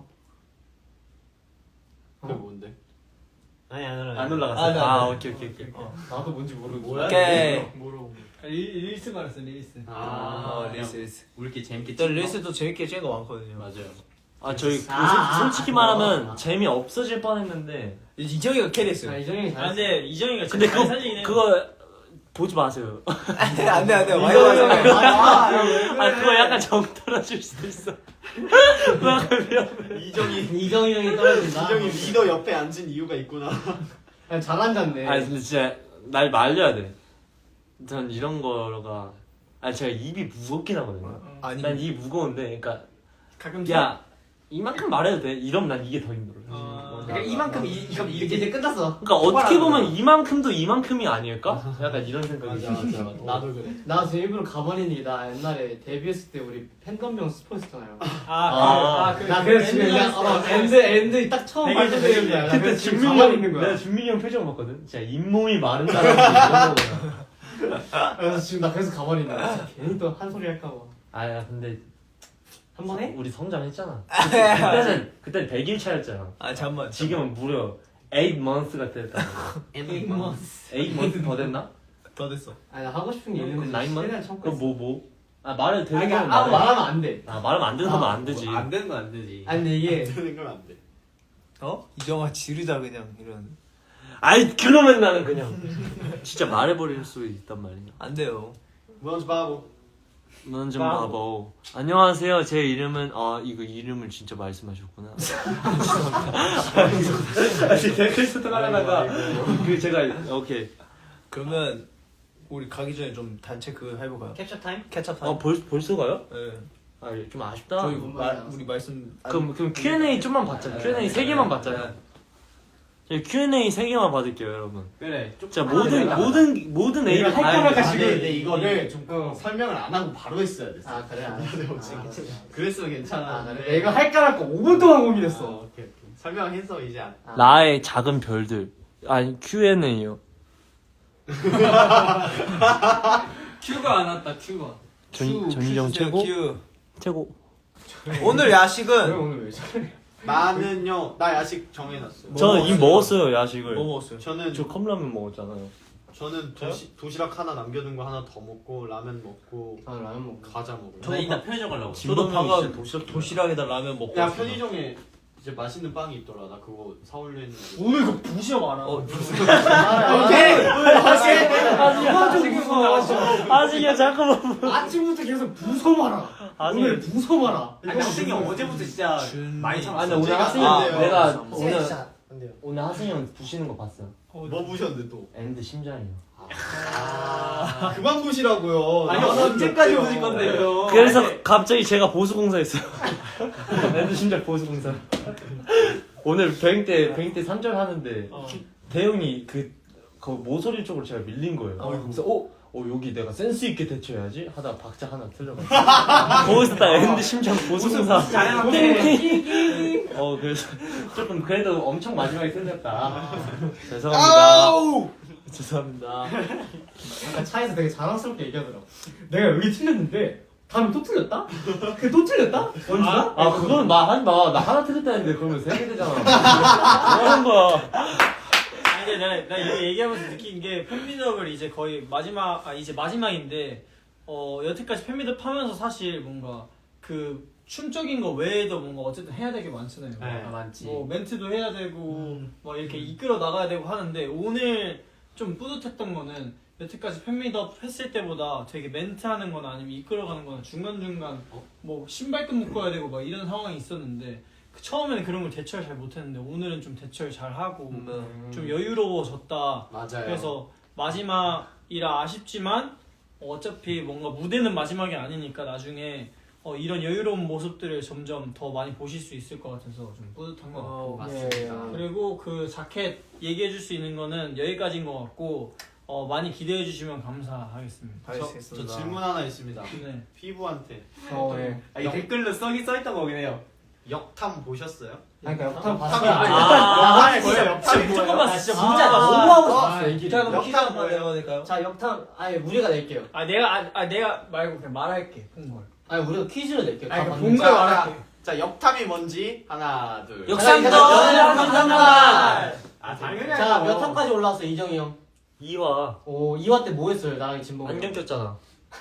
Speaker 5: 그게 뭔데?
Speaker 2: 아니 안 올라.
Speaker 3: 안 올라갔어요?
Speaker 4: 아, 네,
Speaker 3: 아,
Speaker 4: 네.
Speaker 3: 오케이 오케이 오케이.
Speaker 2: 나도 뭔지 모르고.
Speaker 4: 오케이.
Speaker 5: 뭐라고?
Speaker 1: 릴, 릴스 말했어 릴스.
Speaker 5: 아,
Speaker 4: 어 릴스 릴스.
Speaker 6: 우리끼리 재밌게
Speaker 4: 또
Speaker 6: 찍는 거?
Speaker 4: 릴스도 재밌게 찍은 거 많거든요.
Speaker 6: 맞아요.
Speaker 3: 아 저희 그
Speaker 2: 아, 아,
Speaker 3: 솔- 솔직히
Speaker 2: 아,
Speaker 3: 말하면
Speaker 2: 아.
Speaker 3: 재미 없어질 뻔했는데
Speaker 4: 이정이가 캐리했어요.
Speaker 2: 아 이정이
Speaker 1: 아
Speaker 2: 잘했어.
Speaker 1: 근데 이정이가
Speaker 3: 근데
Speaker 1: 진짜 잘 살리긴 해.
Speaker 3: 그거 보지 마세요.
Speaker 4: 안돼 안돼 안돼. 많이
Speaker 3: 이거-
Speaker 4: 봤어.
Speaker 3: 아 그거 약간 정 떨어질 수도 있어. 약간 위험해.
Speaker 5: 이정이
Speaker 2: 이정이 형이 떨어진다.
Speaker 5: 이정이 리더 옆에 앉은 이유가 있구나.
Speaker 2: 야, 잘 앉았네.
Speaker 3: 아니 근데 진짜 날 말려야 돼. 전 이런 거가 아니 제가 입이 무겁긴 하거든요.
Speaker 4: 아니
Speaker 3: 난 입이 무거운데 그러니까
Speaker 1: 가끔
Speaker 3: 야 이만큼 말해도 돼? 이러면 난 이게 더 힘들어.
Speaker 1: 어,
Speaker 6: 그러니까 이만큼 이 그럼
Speaker 2: 이제
Speaker 6: 이게
Speaker 2: 이제 끝났어.
Speaker 3: 그러니까 어떻게 보면 이만큼도 이만큼이 아닐까? 약간 이런 생각이
Speaker 5: 맞아 맞아 맞아. 나도 그래.
Speaker 2: 나 지금 일부러 가만히 나 옛날에 데뷔했을 때 우리 팬덤명 스포했잖아요.
Speaker 1: 아, 그,
Speaker 2: 나
Speaker 1: 그
Speaker 2: 그래서 지금
Speaker 1: 엔드
Speaker 2: 그냥 어, 엔드 엔드 딱 처음
Speaker 1: 되게
Speaker 2: 발표 되는 거야.
Speaker 3: 그때 준민이 형 내가 준민이 형 표정 봤거든. 진짜 잇몸이 마른다라는 이런 거구나.
Speaker 2: 그래서 지금 나 그래서 가만히 있는 거야. 괜히 또 한 소리 할까 봐.
Speaker 3: 아야 근데
Speaker 2: 한 번 해?
Speaker 3: 우리 성장했잖아. 그때는 그때 백 일 차였잖아.
Speaker 4: 아 잠만.
Speaker 3: 지금은 무려 eight months가 됐다.
Speaker 6: eight months.
Speaker 3: eight months 더 됐나?
Speaker 4: 더 됐어.
Speaker 2: 아니 나 하고 싶은 게 있는데
Speaker 3: nine months?
Speaker 2: 최대한 참고
Speaker 3: 그럼
Speaker 2: 있어.
Speaker 3: 뭐 뭐? 아 말을 되는
Speaker 2: 아니,
Speaker 3: 거면
Speaker 2: 그러니까 아무
Speaker 3: 말해.
Speaker 2: 말하면 안 돼.
Speaker 3: 아 말하면 안 되는 거면 안 되지.
Speaker 6: 안 되는 건 안 되지.
Speaker 2: 아니 근데 이게
Speaker 5: 되는 건 안 돼.
Speaker 4: 어? 이정아 지르자 그냥 이런.
Speaker 3: 아이 그러면 나는 그냥 진짜 말해버릴 수 있단 말이야.
Speaker 4: 안 돼요.
Speaker 5: 먼저 바보.
Speaker 3: 먼저 바보. 안녕하세요. 제 이름은 아 이거 이름을 진짜 말씀하셨구나. 죄송합니다. 아니 댓글 소통하다가 그 제가 오케이.
Speaker 4: 그러면 우리 가기 전에 좀 단체 그 해볼까요?
Speaker 6: 캡처 타임?
Speaker 4: 캐쳐 타임.
Speaker 3: 아 벌 벌써 가요?
Speaker 4: 네.
Speaker 3: 아좀 아쉽다.
Speaker 4: 저희
Speaker 2: 뭔
Speaker 4: 말
Speaker 2: 말이야.
Speaker 4: 우리 말씀.
Speaker 3: 그럼 그럼 Q and A 좀만 받자. Q and A 세 개만 받자요. 저희 Q and A 세 개만 받을게요, 여러분.
Speaker 6: 그래.
Speaker 3: 진짜 모든 모든 모든
Speaker 2: 이거
Speaker 3: A를
Speaker 2: 할
Speaker 3: 다
Speaker 2: 거라고
Speaker 3: 해야 돼.
Speaker 2: 지금
Speaker 5: 근데 이거를 좀
Speaker 2: 어.
Speaker 5: 설명을 안 하고 바로 했어야 됐어.
Speaker 2: 아 그래 알았어.
Speaker 5: 그랬으면 괜찮아.
Speaker 2: 아 그래. 내가 할까 말까 오 분 동안 고민했어.
Speaker 5: 어, 오케이 오케이. 설명해서 이제 안.
Speaker 2: 아.
Speaker 3: 나의 작은 별들. 아니 Q and A요.
Speaker 1: 큐가 안 왔다. 큐가.
Speaker 3: 전 전희정 최고 최고.
Speaker 4: 오늘
Speaker 2: 왜
Speaker 4: 야식은
Speaker 2: 오늘 왜 저래?
Speaker 5: 나는요. 나 야식 정해놨어요.
Speaker 3: 저는 이미 먹었어요 야식을.
Speaker 4: 뭐 먹었어요?
Speaker 5: 저는
Speaker 3: 저 컵라면 먹었잖아요.
Speaker 5: 저는 도시, 도시락 하나 남겨둔 거 하나 더 먹고 라면 먹고
Speaker 2: 저는 라면 먹고.
Speaker 5: 과자 먹고.
Speaker 6: 저 이따 편의점 가려고.
Speaker 4: 저도 방금
Speaker 3: 진짜 도시락
Speaker 4: 도시락에다 라면 먹고
Speaker 5: 야
Speaker 4: 왔어요.
Speaker 5: 편의점에 이제 맛있는 빵이 있더라. 나 그거 사올려 했는데.
Speaker 1: 오늘 그 부시어 많아.
Speaker 4: 어,
Speaker 2: 오케이.
Speaker 1: 아, 지금
Speaker 3: 아직이야 잠깐만.
Speaker 2: 아침부터 계속 부서 마라.
Speaker 3: 아니.
Speaker 2: 오늘 부서 마라.
Speaker 6: 아니 학생이 어제부터 진짜
Speaker 4: 준-
Speaker 6: 많이 참았어.
Speaker 3: 아니 오늘
Speaker 5: 제가
Speaker 3: 하승이
Speaker 5: 안
Speaker 3: 형
Speaker 5: 돼요.
Speaker 3: 내가
Speaker 5: 안
Speaker 3: 오늘
Speaker 2: 안 돼요.
Speaker 3: 오늘 하승이 형 부시는 거 봤어.
Speaker 5: 뭐 부셨는데 또?
Speaker 3: 엔드 심장이요.
Speaker 5: 아 그만 부시라고요.
Speaker 6: 아니
Speaker 5: 나는
Speaker 6: 언제까지
Speaker 5: 어때요?
Speaker 6: 부실 건데요?
Speaker 3: 그래서 갑자기 제가 보수공사했어요. 엔드 심장 보수공사. 오늘 백인 때 백인 때 삼 절 하는데
Speaker 1: 어.
Speaker 3: 대형이 그, 그 모서리 쪽으로 제가 밀린 거예요.
Speaker 4: 어.
Speaker 3: 그래서 어? 어 여기 내가 센스 있게 대처해야지 하다 박자 하나 틀려가지고 거기서 딱 엔드 심장 보수공사.
Speaker 6: 잘해놨네.
Speaker 3: 어 그래서 조금 그래도 엄청 마지막에 틀렸다. 죄송합니다.
Speaker 4: 아우!
Speaker 3: 죄송합니다.
Speaker 2: 아까 차에서 되게 자랑스럽게 얘기하더라고. 내가 여기 틀렸는데 다음에 또 틀렸다? 그 또 틀렸다? 원주가?
Speaker 3: 아 그건 말하지 마. 나 하나 틀렸다 했는데 그러면 세 개 되잖아. 뭐 하는 거야?
Speaker 1: 아니 근데 내가, 나 이거 얘기하면서 느낀 게 팬미덕을 이제 거의 마지막 아 이제 마지막인데 어 여태까지 팬미덕 하면서 사실 뭔가 그 춤적인 거 외에도 뭔가 어쨌든 해야 될 게 많잖아요.
Speaker 6: 네, 많지.
Speaker 1: 뭐 멘트도 해야 되고
Speaker 4: 음.
Speaker 1: 뭐 이렇게 이끌어 나가야 되고 하는데 오늘 좀 뿌듯했던 거는 여태까지 팬미덕 했을 때보다 되게 멘트하는 거나 아니면 이끌어가는 거나 중간중간 뭐 신발끈 묶어야 되고 막 이런 상황이 있었는데 그 처음에는 그런 걸 대처를 잘 못했는데 오늘은 좀 대처를 잘 하고
Speaker 4: 음.
Speaker 1: 좀 여유로워졌다.
Speaker 5: 맞아요.
Speaker 1: 그래서 마지막이라 아쉽지만 어차피 뭔가 무대는 마지막이 아니니까 나중에 어, 이런 여유로운 모습들을 점점 더 많이 보실 수 있을 것 같아서 좀 뿌듯한 것 같고
Speaker 4: 어,
Speaker 5: 맞습니다.
Speaker 1: 그리고 그 자켓 얘기해 줄 수 있는 거는 여기까지인 것 같고 어, 많이 기대해 주시면 감사하겠습니다.
Speaker 5: 저, 저 질문 하나 있습니다.
Speaker 1: 네.
Speaker 5: 피부한테
Speaker 2: 어 예.
Speaker 6: 아, 이 댓글로 써기 써있던 거긴 해요.
Speaker 5: 역탐 보셨어요?
Speaker 2: 아니 그러니까 역탐
Speaker 5: 역탐이
Speaker 2: 봤어요.
Speaker 5: 아,
Speaker 2: 아니
Speaker 5: 뭐예요? 역탐이 뭐예요?
Speaker 1: 조금만 진짜
Speaker 2: 아,
Speaker 1: 문자
Speaker 2: 너무
Speaker 1: 너무
Speaker 2: 하고 싶었어 얘기를.
Speaker 1: 자, 그럼
Speaker 4: 역탐 뭐예요? 될까요?
Speaker 2: 자 역탐 아니 우리가 낼게요.
Speaker 1: 아 내가 아, 아 내가 말고 그냥 말할게 본 걸.
Speaker 2: 아니 우리가 퀴즈를 낼게요.
Speaker 1: 아니
Speaker 2: 다
Speaker 1: 본
Speaker 2: 봤는데.
Speaker 1: 걸
Speaker 5: 자,
Speaker 1: 말할게.
Speaker 5: 자 역탐이 뭔지 하나 둘.
Speaker 3: 역삼동
Speaker 2: 역삼동.
Speaker 5: 아 당연히.
Speaker 2: 자 몇 화까지 올라왔어 이정이 형?
Speaker 3: 이 화
Speaker 2: 오 이 화 때 뭐 했어요 나랑 진봉?
Speaker 3: 안경 꼈잖아.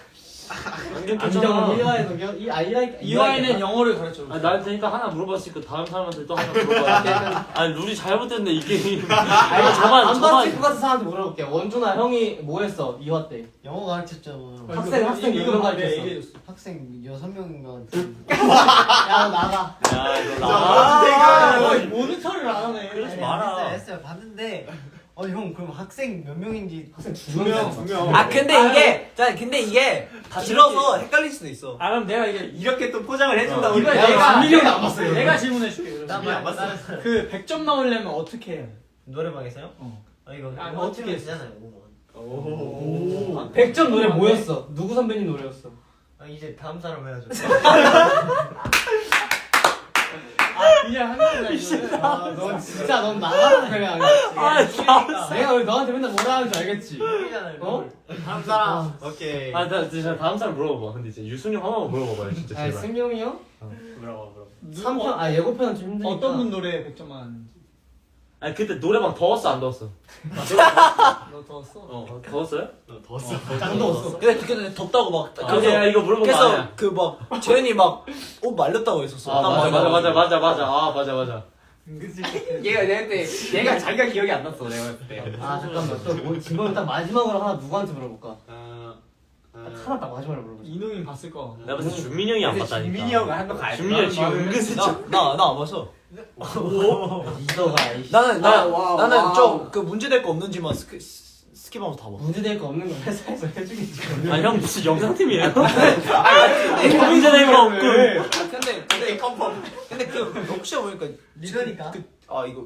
Speaker 3: 안경
Speaker 2: 안정
Speaker 3: 꼈잖아.
Speaker 2: 일 화에도 이 아, 일 화
Speaker 1: 이 화에는 영어를 가르쳐 줬어.
Speaker 3: 아, 날 테니까 하나 물어봤으니까 다음 사람한테 또 하나 물어봐. 아니 룰이 잘못됐네 이 게임.
Speaker 2: 아니
Speaker 3: 저만
Speaker 2: 안
Speaker 3: 저만
Speaker 2: 봤을 것 같은 사람한테 물어볼게. 원준아 형이 뭐 했어 이 화 때?
Speaker 7: 영어 가르쳤잖아.
Speaker 2: 학생 학생
Speaker 1: 이거
Speaker 2: 이거
Speaker 1: 봐,
Speaker 2: 가르쳤어.
Speaker 1: 내가 얘기해 줬어.
Speaker 7: 학생 여섯 명인가.
Speaker 2: 야 너 나가.
Speaker 3: 야 이거
Speaker 5: 아,
Speaker 3: 나.
Speaker 1: 아, 모니터를 안 하네.
Speaker 3: 그러지
Speaker 7: 아니,
Speaker 3: 마라.
Speaker 7: 했어요, 했어요. 봤는데 아니 형 그럼 학생 몇 명인지
Speaker 2: 학생
Speaker 7: 두
Speaker 2: 명,
Speaker 7: 명.
Speaker 2: 두 명.
Speaker 4: 아 근데 이게 자 근데 이게 길어서 헷갈릴 수도 있어.
Speaker 1: 아 그럼 내가 이게
Speaker 6: 이렇게 또 포장을 해준다고.
Speaker 1: 이거
Speaker 2: 야,
Speaker 1: 내가
Speaker 2: 준민이 형도 안 봤어요.
Speaker 1: 내가 질문해 줄게.
Speaker 7: 나
Speaker 6: 준비 안
Speaker 7: 말-
Speaker 6: 봤어?
Speaker 7: 나-
Speaker 1: 그 백 점 나오려면 어떻게 해야 돼?
Speaker 4: 노래방에서요?
Speaker 1: 어.
Speaker 4: 아 이거
Speaker 1: 아,
Speaker 4: 이거
Speaker 1: 어떻게
Speaker 4: 어떻게
Speaker 1: 했어?
Speaker 4: 되잖아요. 오만.
Speaker 5: 오.
Speaker 2: 백 점 노래 뭐였어? 누구 선배님 노래였어?
Speaker 4: 아 이제 다음 사람 해야죠.
Speaker 1: 아 그냥 한 거야 이거는.
Speaker 2: 아, 넌 진짜 넌 나가서 그냥. 아, 내가 왜 너한테 맨날 뭐라 하는 줄 알겠지? 어?
Speaker 4: 다음 사람.
Speaker 2: 아,
Speaker 4: 오케이.
Speaker 3: 아, 나 진짜 다음 사람 물어봐봐. 근데 이제 유승이 형 하나만 물어봐봐요, 진짜
Speaker 2: 아,
Speaker 3: 제발.
Speaker 2: 승용이 형?
Speaker 6: 물어봐 물어봐.
Speaker 2: 삼 편, 아 예고편은 좀 힘드니까.
Speaker 1: 어떤 분 노래 백 점 맞는지.
Speaker 3: 아니 그때 노래방 더웠어 안 더웠어?
Speaker 1: 너 더웠어?
Speaker 3: 어, 더웠어요?
Speaker 5: 너 더웠어.
Speaker 2: 짱 더웠어.
Speaker 4: 근데 그때 덥다고 막.
Speaker 3: 아, 근데 야, 이거 물어본 거
Speaker 4: 그래서
Speaker 3: 아니야.
Speaker 4: 그 막 재현이 막 옷 말렸다고 했었어.
Speaker 3: 아
Speaker 4: 땀
Speaker 3: 맞아
Speaker 4: 많이
Speaker 3: 맞아 맞아
Speaker 4: 나고.
Speaker 3: 맞아 맞아 아 맞아 맞아.
Speaker 6: 얘가 내가 때 얘가 자기가 기억이 안 났어 내가 봤을 때.
Speaker 2: 아 잠깐만 또뭐 질문 딱 마지막으로 하나 누구한테 물어볼까?
Speaker 5: 아,
Speaker 2: 딱
Speaker 5: 아,
Speaker 2: 하나 딱 마지막으로 물어보자.
Speaker 1: 이노인 봤을 거.
Speaker 3: 내가 봤을 때 준민이 형이 안
Speaker 6: 근데
Speaker 3: 봤다니까.
Speaker 6: 준민이 형은 한거 가야 돼.
Speaker 3: 준민이 형 지금 은근슬쩍.
Speaker 4: 나나나 안 봤어.
Speaker 2: 이더가 이씨.
Speaker 4: 나는 나
Speaker 5: 와우,
Speaker 4: 나는
Speaker 5: 와우.
Speaker 4: 좀 그 문제될 거 없는지만 스킵 스킵하면서 다 봐.
Speaker 2: 문제될 거 없는 거 회사에서 해주겠지.
Speaker 3: 아니 형 무슨 영상팀이에요? 문제 될거 없고.
Speaker 4: 아 근데 근데 컴펌. 근데 그 혹시 보니까
Speaker 7: 리더니까.
Speaker 4: 아 이거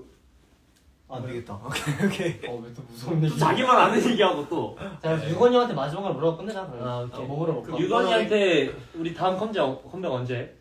Speaker 4: 안 되겠다. 오케이 오케이.
Speaker 2: 어왜 또 무서운 얘기?
Speaker 3: 자기만 아는 얘기하고 또.
Speaker 2: 자 유건이 형한테 마지막으로 물어보고 끝내자. 그럼.
Speaker 3: 아, 오케이.
Speaker 2: 어, 뭐 물어볼까?
Speaker 3: 유건이한테 우리 다음 컴백 컴백 언제?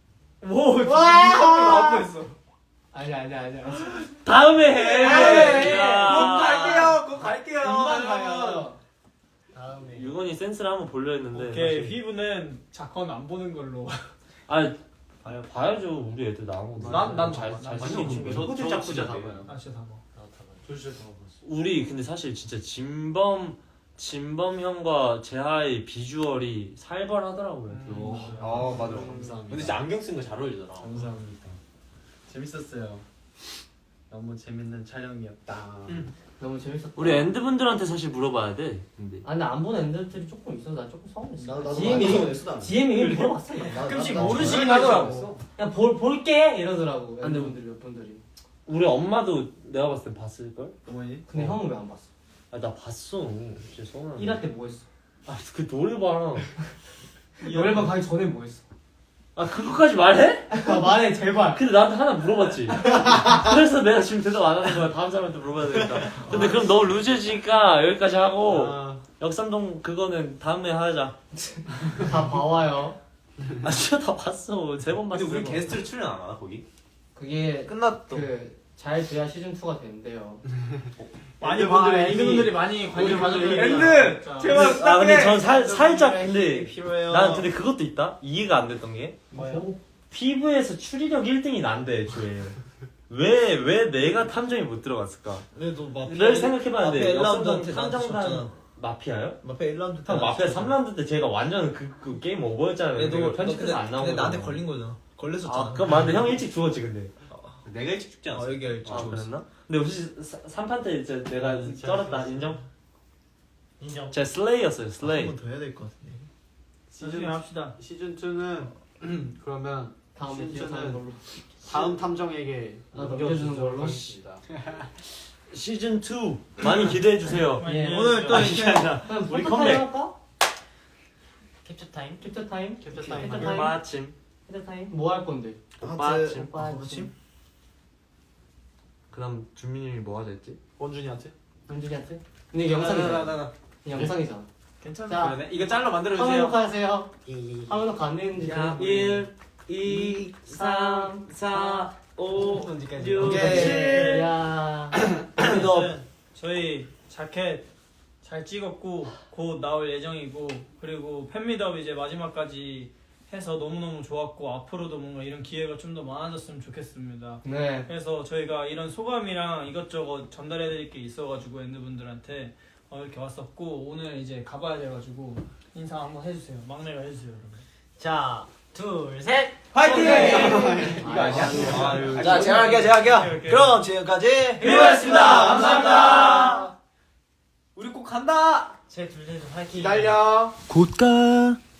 Speaker 1: 오
Speaker 2: 와!
Speaker 1: 나왔어.
Speaker 2: 아니 아니 아니.
Speaker 3: 다음에 해.
Speaker 2: 네,
Speaker 3: 야.
Speaker 4: 곧 갈게요. 곧 갈게요.
Speaker 2: 금방 가요.
Speaker 4: 다음에.
Speaker 3: 유건이 센스를 한번 보려 했는데.
Speaker 1: 오케이
Speaker 3: 사실-
Speaker 1: 휘브는 작건 안 보는 걸로.
Speaker 3: 아 봐요 봐야죠 우리 애들 나온 거.
Speaker 1: 난- 난
Speaker 3: 잘
Speaker 1: 봐.
Speaker 3: 잘
Speaker 1: 난
Speaker 3: 생긴
Speaker 1: 봐.
Speaker 3: 친구.
Speaker 5: 저
Speaker 3: 호주
Speaker 5: 저
Speaker 3: 짝꿍
Speaker 5: 진짜 다
Speaker 3: 같아.
Speaker 5: 봐요.
Speaker 1: 아 진짜 다 봐.
Speaker 5: 저 진짜 다 봤어.
Speaker 3: 우리 근데 사실 진짜 진범 진범 형과 재하의 비주얼이 살벌하더라고요. 또.
Speaker 6: 어 맞아.
Speaker 5: 감사합니다.
Speaker 6: 근데 진짜 안경 쓴 거 잘 어울리더라.
Speaker 5: 감사합니다. 재밌었어요. 너무 재밌는 촬영이었다.
Speaker 2: 너무 재밌었다.
Speaker 3: 우리 엔드 분들한테 사실 물어봐야 돼. 근데
Speaker 2: 아 근데 안 보는 애들이 조금 있어서 나 조금 서운했어.
Speaker 4: 나도- 나도
Speaker 2: 지엠이
Speaker 4: 많이 서운했어, 나는.
Speaker 2: 지엠이 이미 물어봤어.
Speaker 1: 가끔씩
Speaker 4: 나- 나-
Speaker 1: 모르시긴
Speaker 2: 나-
Speaker 1: 하더라고.
Speaker 2: 그냥 볼 볼게 이러더라고.
Speaker 3: 아, 근데
Speaker 2: 애들분들이 몇 분들이.
Speaker 3: 우리 엄마도 내가 봤을 때 봤을 걸?
Speaker 4: 어머니?
Speaker 2: 근데 형은 왜 안 봤어?
Speaker 3: 아 나 봤어. 진짜 서운하네.
Speaker 2: 일 화 때 뭐 했어?
Speaker 3: 아그 노래방.
Speaker 2: 노래방 가기 전에 뭐 했어?
Speaker 3: 아 그거까지 말해?
Speaker 2: 아 말해 제발.
Speaker 3: 근데 나한테 하나 물어봤지. 그래서 내가 지금 대답 안 하는 거야. 다음 사람한테 물어봐야 되겠다. 근데 그럼 너무 루즈지니까 여기까지 하고
Speaker 5: 아,
Speaker 3: 역삼동 그거는 다음에 하자.
Speaker 2: 다 봐와요.
Speaker 3: 아 진짜 다 봤어. 세 번 봤어.
Speaker 6: 근데 우리
Speaker 3: 세 번.
Speaker 6: 게스트로 출연 안 하나 거기?
Speaker 2: 그게
Speaker 4: 끝났다.
Speaker 2: 그 잘 돼야 시즌 이가 된대요.
Speaker 1: 많이
Speaker 5: 엔드
Speaker 1: 분들이
Speaker 5: 봐야지.
Speaker 1: 엔드 분들이 많이 관심 가져주는
Speaker 6: 엔드! 제발
Speaker 3: 아 근데 전 살, 살짝 근데
Speaker 4: 필요해요.
Speaker 3: 난 근데 그것도 있다. 이해가 안 됐던 게
Speaker 4: 뭐요?
Speaker 3: 피부에서 추리력 일 등이 난데 애초에 왜 왜 내가 탐정이 못 들어갔을까?
Speaker 4: 그래도 마피아.
Speaker 3: 를 생각해봤는데
Speaker 4: 마피아 일
Speaker 3: 역삼동
Speaker 4: 라운드한테
Speaker 3: 탐정단
Speaker 4: 졌잖아.
Speaker 3: 마피아요?
Speaker 4: 마피아 일 라운드 때
Speaker 3: 형 마피아
Speaker 4: 나한테
Speaker 3: 삼 라운드 때 제가 완전 그, 그 게임 오버였잖아요.
Speaker 4: 그래도
Speaker 3: 내가
Speaker 4: 너
Speaker 3: 편집해서
Speaker 4: 근데-
Speaker 3: 안 나오고.
Speaker 4: 근데 나한테 걸린 거잖아. 걸렸었잖아.
Speaker 3: 아 그건 맞는데 형 일찍 죽었지 근데.
Speaker 6: 내가 일찍 죽지 않았어.
Speaker 4: 아 여기가 일찍
Speaker 3: 아
Speaker 4: 죽었어.
Speaker 3: 그랬나? 근데 혹시 삼 판 때 이제 내가 쩔었다 인정?
Speaker 4: 인정.
Speaker 3: 제가 슬레이였어요 슬레이.
Speaker 4: 한 번 더 해야 될 것 같은데.
Speaker 1: 나중에 합시다.
Speaker 5: 시즌 이는 그러면
Speaker 2: 다음에
Speaker 5: 시즌
Speaker 2: 기억하는
Speaker 5: 이는
Speaker 2: 걸로.
Speaker 5: 다음 탐정에게
Speaker 2: 아, 넘겨주는 걸로?
Speaker 5: 넘겨주도록 하겠습니다.
Speaker 3: 시즌 투 많이 기대해 주세요.
Speaker 2: 예.
Speaker 4: 오늘 또
Speaker 3: 아니,
Speaker 4: 이렇게
Speaker 3: 아니라
Speaker 2: 그럼
Speaker 3: 우리
Speaker 2: 포토
Speaker 3: 컴백.
Speaker 2: 타임 할까?
Speaker 7: 캡처 타임.
Speaker 2: 캡처 타임.
Speaker 5: 캡처 타임.
Speaker 2: 캡처 타임.
Speaker 3: 마침
Speaker 2: 캡처 타임. 뭐 할 건데?
Speaker 3: 오빠침.
Speaker 2: 오빠침.
Speaker 3: 그다음 준민이 형이 뭐 하자 했지?
Speaker 5: 원준이한테?
Speaker 2: 은준이한테? 근데 이게 영상이잖아.
Speaker 6: 나나나.
Speaker 2: 이게 영상이잖아.
Speaker 6: 괜찮아.
Speaker 2: 자,
Speaker 6: 그러네. 이거 짤로 만들어
Speaker 2: 화면
Speaker 6: 주세요.
Speaker 2: 녹화하세요. 화면 녹화 안 되는지.
Speaker 3: 일, 이, 삼, 사, 오,
Speaker 6: 언제까지?
Speaker 3: 육,
Speaker 4: 오케이.
Speaker 3: 칠.
Speaker 2: 야.
Speaker 1: 아무튼 저희 자켓 잘 찍었고 곧 나올 예정이고 그리고 팬미업 이제 마지막까지 해서 너무너무 좋았고 앞으로도 뭔가 이런 기회가 좀 더 많아졌으면 좋겠습니다.
Speaker 2: 네.
Speaker 1: 그래서 저희가 이런 소감이랑 이것저것 전달해드릴 게 있어가지고 엔드분들한테 어, 이렇게 왔었고 오늘 이제 가봐야 돼가지고 인사 한번 해주세요. 막내가 해주세요. 그러면.
Speaker 7: 자, 둘, 셋.
Speaker 4: 화이팅!
Speaker 6: 이거 아니야? 아유.
Speaker 4: 자 제가 할게요 제가 할게요.
Speaker 1: 오케이, 오케이.
Speaker 4: 그럼 지금까지
Speaker 1: 휘브였습니다. 감사합니다.
Speaker 6: 우리 꼭 간다.
Speaker 7: 제 둘, 셋, 화이팅.
Speaker 5: 기다려.
Speaker 4: 곧 가.